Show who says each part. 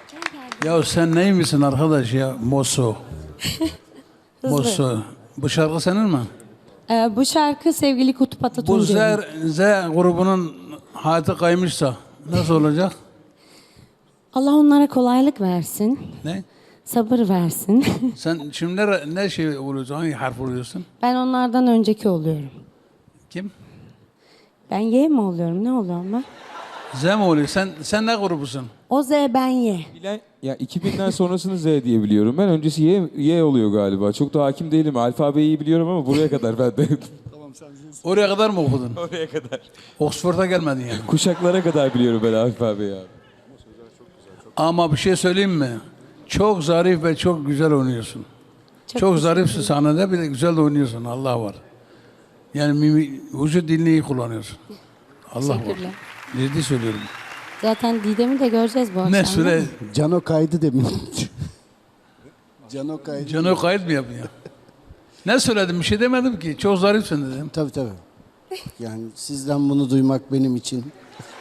Speaker 1: Ya sen neymişsin arkadaş ya? Mosso. Mosso. Bu şarkı senin mi?
Speaker 2: Bu şarkı sevgili Kutup
Speaker 1: Bu
Speaker 2: Atatuncu'nun.
Speaker 1: Z grubunun hayatı kaymışsa nasıl olacak?
Speaker 2: Allah onlara kolaylık versin.
Speaker 1: Ne?
Speaker 2: Sabır versin.
Speaker 1: Sen şimdi ne şey oluyorsun? Hangi harf oluyorsun?
Speaker 2: Ben onlardan önceki oluyorum.
Speaker 1: Kim?
Speaker 2: Ben Y mi oluyorum? Ne oluyorum ben?
Speaker 1: Z mi oluyor? Sen ne grubusun?
Speaker 2: O Z, ben Y.
Speaker 3: Ya 2000'den sonrasını Z diye biliyorum. Ben öncesi Y oluyor galiba. Çok da hakim değilim. Alfabeyi iyi biliyorum ama buraya kadar ben de.
Speaker 1: Oraya kadar mı okudun?
Speaker 3: Oraya kadar.
Speaker 1: Oxford'a gelmedin yani.
Speaker 3: Kuşaklara kadar biliyorum ben alfabeyi abi.
Speaker 1: Ama bir şey söyleyeyim mi? Çok zarif ve çok güzel oynuyorsun. Çok zarifsin sahnede, bir de güzel de oynuyorsun. Allah var. Yani vücut dilini iyi kullanıyorsun. Allah var.
Speaker 2: Teşekkürler.
Speaker 1: Ciddi söylüyorum.
Speaker 2: Zaten Didem'i de göreceğiz bu akşam.
Speaker 1: Ne süre?
Speaker 4: Cano kaydı demin. Cano kaydı.
Speaker 1: Canı kayıt mı yapıyor? Ne söyledim? Bir şey demedim ki. Çok zarifsin dedim.
Speaker 4: Tabii tabii. Yani sizden bunu duymak benim için